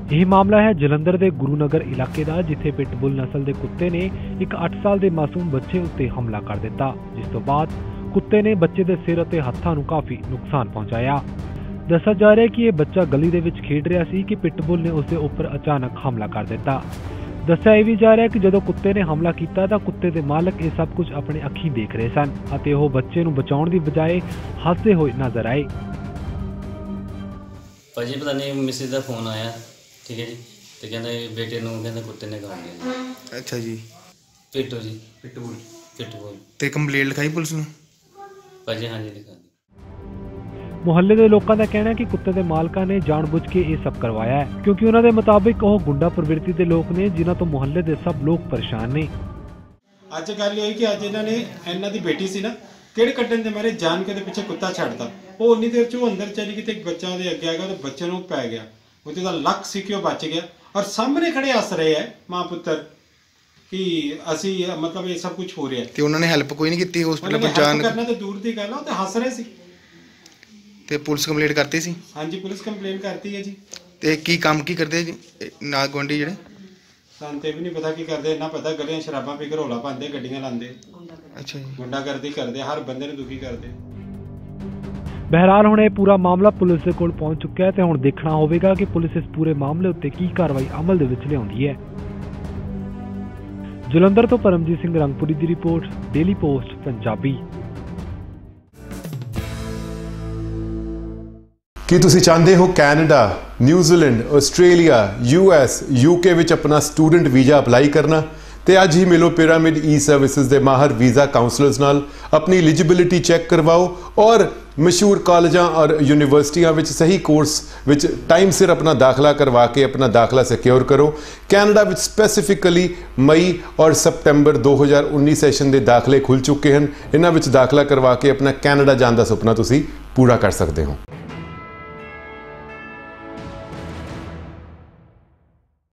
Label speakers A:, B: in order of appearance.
A: ਇਹ ਮਾਮਲਾ है जलंधर के गुरुनगर इलाके का, जिथे पिटबुल नस्ल के कुत्ते ने एक 8 साल के मासूम बच्चे उत्ते हमला कर दिता, जिस तो बाद कुत्ते ने बच्चे के सिर और हत्थां नूं काफ़ी नुकसान पहुंचाया। दस्सिया जा रहा है कि यह बच्चा गली दे विच खेड रहा सी कि पिटबुल ने उसके उपर अचानक हमला कर दिता। दस्सिया यह भी जा रहा है कि जदों कुत्ते ने हमला किया तो कुत्ते के मालक ये सब कुछ अपने अखीं देख रहे सन अते ओह बच्चे नूं बचाउण दी बजाय हੱਸਦੇ होए नजर आए।
B: भाजी पता नहीं मिसेज का फोन आया, ठीक है जी, तो कहते बेटे नूं कहते कुत्ते ने काट दिया जी।
C: अच्छा जी,
B: पिट्टू जी, पिट्टू
C: ते कंप्लेंट लिखाई पुलिस ने?
B: भाजी हाँ जी लिखा दी।
A: मुहल्ले के लोगों का कहना है कि कुत्ते के मालकां ने जानबूझ के ये सब करवाया है, क्योंकि उन्होंने मुताबिक वह गुंडा प्रवृत्ति के लोग ने जिन्हां तो मुहल्ले के सब लोग परेशान ने।
D: ਅੱਜ ਗੱਲ ਇਹ ਕਿ ਅੱਜ ਇਹਨਾਂ ਨੇ ਇਹਨਾਂ ਦੀ ਬੇਟੀ ਸੀ ਨਾ ਕਿਹੜੇ ਕੱਢਣ ਦੇ ਮਾਰੇ ਜਾਣ ਕੇ ਦੇ ਪਿੱਛੇ ਕੁੱਤਾ ਛੱਡਤਾ। ਉਹ ਉਨੀ ਦੇਰ ਚ ਉਹ ਅੰਦਰ ਚਲੀ ਗਈ ਤੇ ਇੱਕ ਬੱਚਾ ਉਹਦੇ ਅੱਗੇ ਆ ਗਿਆ ਤੇ ਬੱਚੇ ਨੂੰ ਪੈ ਗਿਆ। ਉਹਦੇ ਦਾ ਲੱਕ ਸੀ ਕਿ ਉਹ ਬਚ ਗਿਆ ਔਰ ਸਾਹਮਣੇ ਖੜੇ ਹੱਸ ਰਹੇ ਹੈ ਮਾਂ ਪੁੱਤਰ ਕਿ ਅਸੀਂ ਮਤਲਬ ਇਹ ਸਭ ਕੁਝ ਹੋ ਰਿਹਾ
C: ਤੇ ਉਹਨਾਂ ਨੇ ਹੈਲਪ ਕੋਈ ਨਹੀਂ ਕੀਤੀ ਹਸਪੀਟਲ ਪਹੁੰਚਾਉਣ
D: ਕਰਨਾ ਤੇ ਦੂਰ ਦੀ ਗੱਲ ਆ, ਉਹ ਤੇ ਹੱਸ ਰਹੇ ਸੀ।
C: ਤੇ ਪੁਲਿਸ ਕੰਪਲੇਂਟ ਕਰਤੀ ਸੀ?
D: ਹਾਂਜੀ ਪੁਲਿਸ ਕੰਪਲੇਂਟ ਕਰਤੀ ਹੈ ਜੀ।
C: ਤੇ ਕੀ ਕੰਮ ਕੀ ਕਰਦੇ ਜੀ ਨਾਲ ਗੁਆਂਢੀ ਜਿਹੜੇ?
D: ਸਾਨੂੰ ਤੇ ਵੀ ਨਹੀਂ ਪਤਾ ਕੀ ਕਰਦੇ, ਇੰਨਾ ਪਤਾ ਗਲੀਆਂ ਸ਼ਰਾਬਾਂ ਪੀ ਕੇ ਰੌਲਾ ਪਾਉਂਦੇ, ਗੱਡੀਆਂ ਲਾਉਂਦੇ।
C: ਅੱਛਾ ਜੀ,
D: ਗੁੰਡਾਗਰਦੀ ਕਰਦੇ, ਹਰ ਬੰਦੇ ਨੂੰ ਦੁਖੀ ਕਰਦੇ।
A: बहरहाल हुण यह पूरा मामला पुलिस के कोल पहुंच चुका है तो हुण देखना होगा कि पुलिस इस पूरे मामले उत्ते की कार्रवाई अमल दे विच लिआउंदी है। जलंधर तो परमजीत सिंह रंगपुरी की रिपोर्ट, डेली पोस्ट पंजाबी।
E: ਕੀ ਤੁਸੀਂ ਚਾਹੁੰਦੇ ਹੋ Canada, New Zealand, Australia, US, UK ਵਿੱਚ ਆਪਣਾ ਸਟੂਡੈਂਟ ਵੀਜ਼ਾ ਅਪਲਾਈ ਕਰਨਾ? ਤੇ ਅੱਜ ਹੀ ਮਿਲੋ ਪਿਰਾਮਿਡ ਈ ਸਰਵਿਸਿਜ਼ ਦੇ ਮਾਹਰ ਵੀਜ਼ਾ ਕਾਉਂਸਲਰਸ ਨਾਲ, ਆਪਣੀ ਐਲੀਜੀਬਿਲਿਟੀ ਚੈੱਕ ਕਰਵਾਓ ਔਰ ਮਸ਼ਹੂਰ ਕਾਲਜਾਂ ਔਰ ਯੂਨੀਵਰਸਿਟੀਆਂ ਵਿੱਚ ਸਹੀ ਕੋਰਸ ਵਿੱਚ ਟਾਈਮ ਸਿਰ ਆਪਣਾ ਦਾਖਲਾ ਕਰਵਾ ਕੇ ਆਪਣਾ ਦਾਖਲਾ ਸਿਕਿਉਰ ਕਰੋ। ਕੈਨੇਡਾ ਵਿੱਚ ਸਪੈਸੀਫਿਕਲੀ ਮਈ ਔਰ ਸਤੰਬਰ 2019 ਸੈਸ਼ਨ ਦੇ ਦਾਖਲੇ ਖੁੱਲ ਚੁੱਕੇ ਹਨ। ਇਹਨਾਂ ਵਿੱਚ ਦਾਖਲਾ ਕਰਵਾ ਕੇ ਆਪਣਾ ਕੈਨੇਡਾ ਜਾਣ ਦਾ ਸੁਪਨਾ ਤੁਸੀਂ ਪੂਰਾ ਕਰ ਸਕਦੇ ਹੋ।